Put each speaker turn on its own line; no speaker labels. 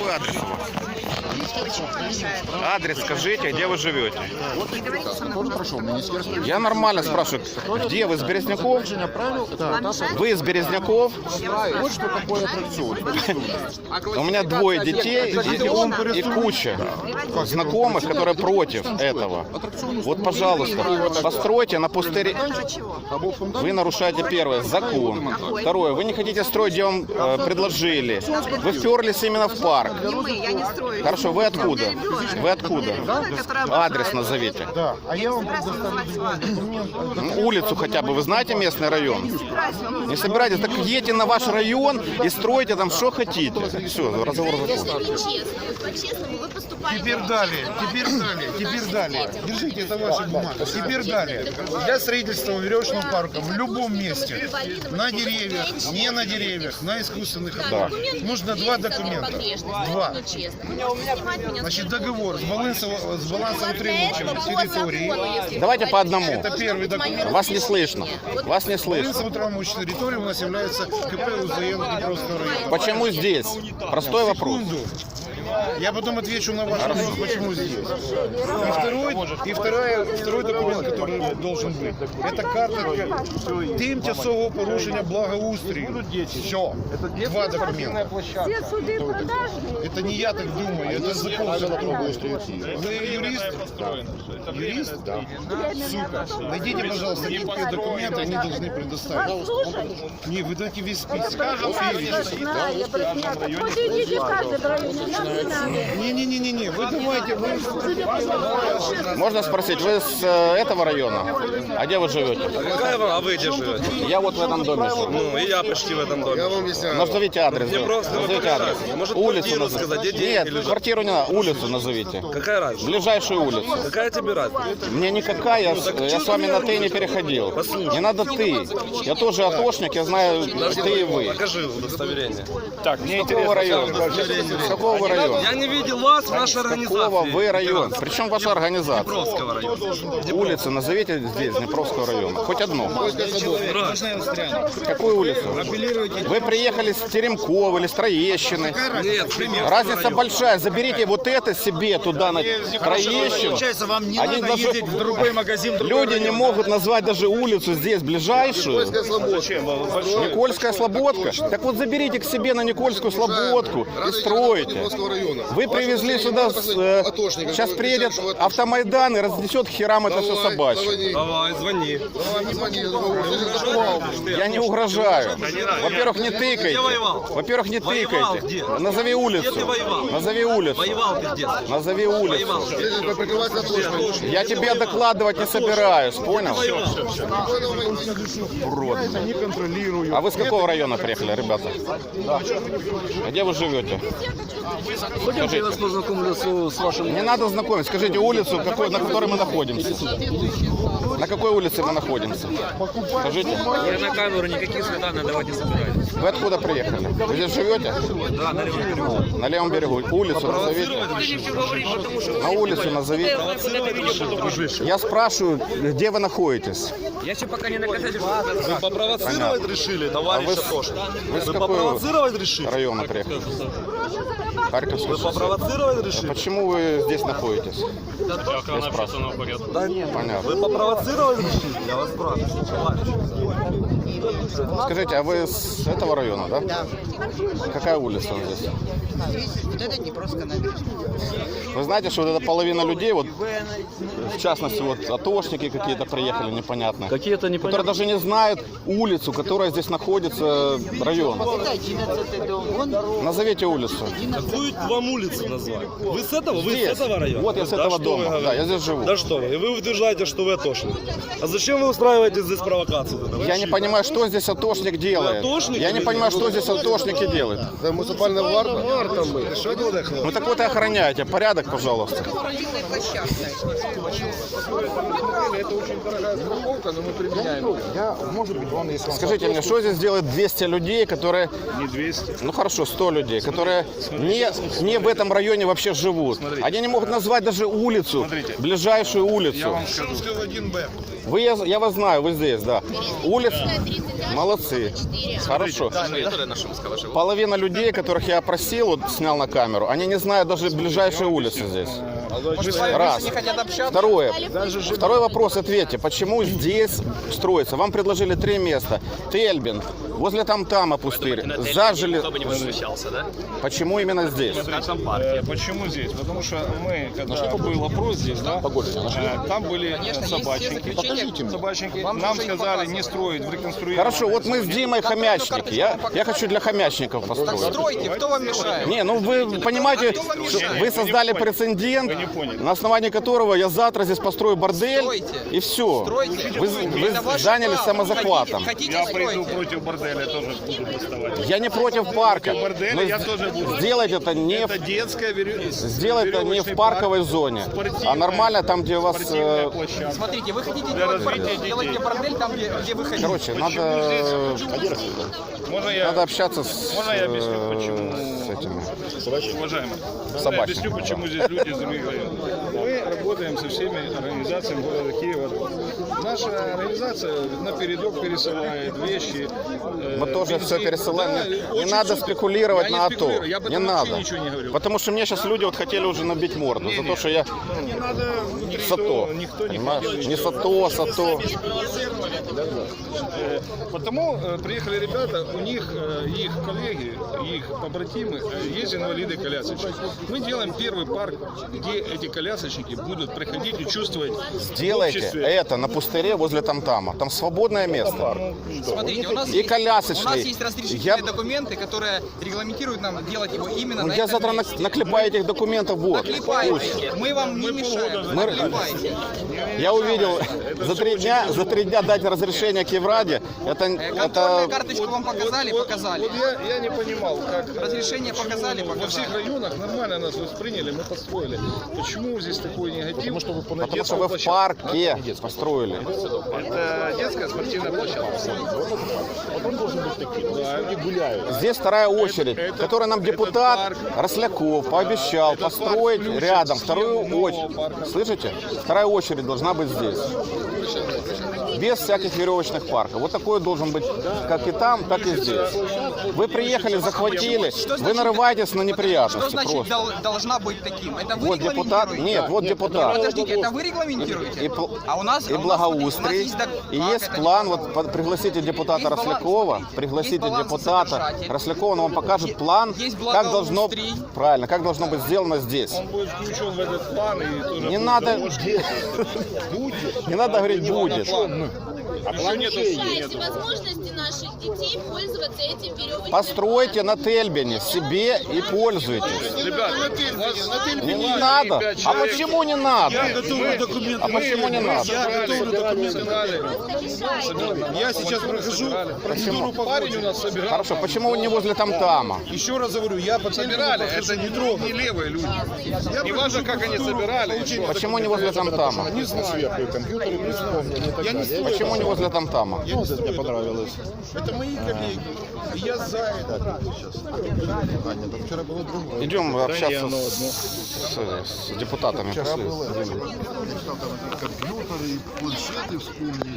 Какой адрес у вас? Адрес скажите, где вы живете?
Тоже прошел министерство.
Я нормально спрашиваю, где вы, из Березняков? Вы из Березняков?
Вот что такое аттракцион.
У меня двое детей и куча знакомых, которые против этого. Вот, пожалуйста, постройте на пустыре. Вы нарушаете, первое, закон. Второе, вы не хотите строить, где вам предложили. Вы вперлись именно в парк.
Я не строю.
Хорошо, вы откуда? Вы откуда? Адрес назовите.
Да, а я вам предоставлю
Улицу хотя бы. Вы знаете местный район? Не собираетесь? Так едьте на ваш район и стройте там, что хотите. Все, разговор закончен.
По-честному вы поступаете.
Теперь далее. Держите, это ваша бумага. Теперь далее. Для строительства веревочного парка в любом месте, на деревьях, не на деревьях, на искусственных
Да.
нужно два документа. Два. Значит, договор с балансоутримывающим территории.
Давайте по одному.
Это первый документ.
Вас не слышно. Вас не слышно.
Балансоутримывающей территории у нас является КП УЗМ Днепровского района.
Почему здесь? Простой вопрос.
Секунду. Я потом отвечу на ваш вопрос, почему здесь. Второй документ, который должен быть, это карточка тимчасового порушення благоустрою. Все. Два документа. Это не я так думаю, это закон о благоустрою. Вы юрист? Юрист? Да. Супер. Найдите, пожалуйста, какие документы они должны предоставить. Не, вы дайте весь список. Не, вы давайте,
Можно спросить, вы с этого района? А где вы живете?
А вы где живете?
Я вот в этом доме живу.
Ну, и я почти в этом доме.
Назовите адрес. Назовите адрес.
Может,
Улицу
квартиру сказать, где деньги
Нет,
лежат?
квартиру не надо, улицу назовите.
Какая разница?
Ближайшую улицу.
Какая тебе разница?
Мне никакая, я с вами на ты не переходил. Не надо ты. Я тоже атошник, я знаю ты и вы.
Покажи удостоверение.
Так, мне какого района? С какого вы района?
Я не видел вас в нашей
Какого
организации.
вы район? Причем ваша организация?
Днепровского района.
Улицу назовите здесь, Днепровского района. Хоть одну. Какую улицу? Вы приехали с Теремкова или с Троещины.
Нет,
Разница большая. Заберите вот это себе туда на Троещину.
Вам не
Они
надо
даже-
ездить в другой магазин.
Люди не могут назвать даже улицу здесь ближайшую. Никольская Слободка. Так вот заберите к себе на Никольскую Слободку и стройте. Вы привезли сюда, сейчас приедет автомайдан и разнесет к херам это все собачье.
Давай, звони.
Я не угрожаю. Во-первых, не тыкайте.
воевал?
Во-первых, не
Воевал
тыкайте.
где?
Назови улицу.
Где ты воевал?
Назови улицу.
Воевал пиздец.
Назови улицу.
Воевал.
Я тебе докладывать не собираюсь, понял? Урод.
не контролирую.
А вы с какого района приехали, ребята? А где вы живете?
Пойдемте, я вас познакомлю с вашим...
Не надо знакомить. Скажите улицу, на которой мы находимся. На какой улице мы находимся? Скажите.
Я на камеру никаких свиданий давать не собираюсь.
Вы откуда приехали? Вы здесь живете?
Да, на левом берегу.
На левом берегу. Улицу назовите. На улицу назовите. Я спрашиваю, где вы находитесь?
Я еще пока не наказатель.
Вы попровоцировать решили,
А
товарищ
вы
Атошник?
Вы с
Вы
какого
попровоцировать решили?
района приехали? Харьковский.
Вы попровоцировать решили?
Почему вы здесь находитесь? Я спрашиваю.
Да нет.
Понятно.
Вы попровоцировать решили? Я вас спрашиваю. Товарищ.
Скажите, а вы с этого района, да? Да. Какая улица здесь?
Вот это Днепровская набережная.
Вы знаете, что вот эта половина людей, вот в частности, вот атошники какие-то приехали непонятные,
Какие-то
которые
непонятные...
даже не знают улицу, которая здесь находится, район.
Это 11-й дом. Вон
Назовите улицу.
Какую вам улицу назвать? Вы с этого? Вы
Здесь.
с этого района?
Вот я с
Да
этого
что
дома.
вы говорите?
Да, я здесь живу.
Да что вы? И вы утверждаете, что вы атошник. А зачем вы устраиваете здесь провокацию?
Я не понимаю, что здесь атошник делает.
атошники
Я не
или
понимаю,
нет?
что здесь атошники делают.
Это муниципальная варта мы. Что буде, хлопці?
Ну так вот и охраняйте. Порядок, пожалуйста.
спортивная площадка.
Это очень дорогая страховка, но мы применяем. Я, может быть, вам, если вам...
Скажите мне, что здесь делает 200 людей, которые...
Не 200.
Ну хорошо, 100 людей, которые не в этом районе вообще живут. Они не могут назвать даже улицу, ближайшую улицу.
Шумского 1Б.
Я вас знаю, вы здесь, да. Улица. Молодцы. Хорошо. Половина людей, которых я опросил, вот снял на камеру. камеру. Они не знают даже ближайшие улицы здесь. Раз. Второе. Второй вопрос ответьте. Почему здесь строится? Вам предложили 3 места. Тельбин, возле Тамтама пустырь. Зажили.
Никто бы не возмущался, да?
Почему именно здесь?
В нашем парке.
Почему здесь? Потому что мы, когда был опрос здесь, да, там были собачники. Нам сказали не строить в реконструированном.
Хорошо, вот мы с Димой хомячники. Я хочу для хомячников построить.
Стройте, кто вам мешает?
Не, ну вы понимаете, что вы создали прецедент,
не поняли.
на основании которого я завтра здесь построю бордель,
Стройте.
и все.
Стройте.
Вы
Это ваше
занялись
право.
самозахватом.
Хотите,
Я приду
стройте.
против борделя, тоже буду доставать.
Я не против парка.
борделя
Но
я тоже буду.
сделать это не
Это детская
сделать это не в парковой зоне, а нормально там, где у вас...
спортивная площадка.
Смотрите, вы хотите
Для
делать
развития
бордель,
детей.
делайте бордель там, где вы хотите.
Короче, надо общаться с,
Можно я объясню, почему?
с этими.
Уважаемый, я
Собачник.
объясню, почему здесь люди замигрировали. Мы работаем со всеми организациями города Киева. Наша организация напередок пересылает вещи.
Мы тоже
бензин.
все пересылаем.
Да,
Не
очень
надо
сильно.
спекулировать
Я
на АТО.
спекулирую, я об
Не
этом вообще
надо.
ничего не говорю.
Потому что мне сейчас люди вот хотели уже набить морду за то, что я
Не надо
САТО.
никто не
Понимаешь?
хотел
Не
ничего.
САТО, САТО.
Потому приехали ребята, у них их коллеги, их побратимы есть инвалиды-колясочники. Мы делаем первый парк, где эти колясочники будут приходить и чувствовать в
Сделайте
обществе.
это на пустыре возле Тамтама. Там свободное место.
Смотрите, у нас,
И колясочный.
есть разрешительные
Я-
документы, которые регламентируют нам делать его именно
Ну,
на
я
этом
завтра
месте.
наклепаю этих документов. Вот. Пусть.
Наклепайте. Мы вам не мешаем. Наклепайте.
Я увидел за 3 дня дать разрешение к Евраде.
Контрольную карточку вам показали? Показали.
Вот я не понимал, как
Разрешение показали?
во всех
Показали.
районах нормально нас восприняли, мы построили. Почему здесь такой негатив?
Потому что вы в парке построили.
Это детская спортивная площадка.
Здесь вторая очередь,
Это-
которую нам
это
депутат
парк.
Росляков пообещал
Этот
построить
парк включит
рядом
в
вторую
схему нового
очередь.
парка.
Слышите? Вторая очередь должна быть здесь. Без всяких веревочных парков. Вот такой должен быть как и там, так и здесь. Вы приехали, захватили, вы нарываетесь на
Что
неприятности
значит
просто.
должна быть таким? Это вы
Вот депутат,
регламентируете?
нет, вот депутат.
Подождите, это вы регламентируете?
И, пл-
А у нас,
и
а у нас,
благоустрий,
смотрите, у нас
и
как
есть
это
план,
не
вот пригласите депутата
Есть баланс,
Рослякова,
смотрите,
пригласите
есть баланс
депутата
содержатель.
Рослякова, он вам покажет план,
есть
как должно,
благоустрий.
правильно, как должно быть сделано здесь.
Он будет включен в этот план и тоже
Не
будет
надо,
заложен.
не надо говорить будет.
Еще нету
Лишаете возможности наших детей пользоваться этим веревочным.
Постройте на Тельбине себе и пользуйтесь.
Ребят,
Не надо. А почему не надо?
документы.
А почему не надо?
Я готовлю документы. Я сейчас прохожу процедуру. Парень у нас собирал.
Хорошо, почему не возле Тамтама?
Еще раз говорю, я собирали. Это не левые люди. Не важно, как они собирали.
Почему не возле Тамтама?
Не знаю. Я не знаю.
Почему не возле Тамтама?
Мне понравилось. Это мои коллеги. И я за это.
Идем общаться с депутатами. Пошли.
Компьютеры, планшеты вспомнили.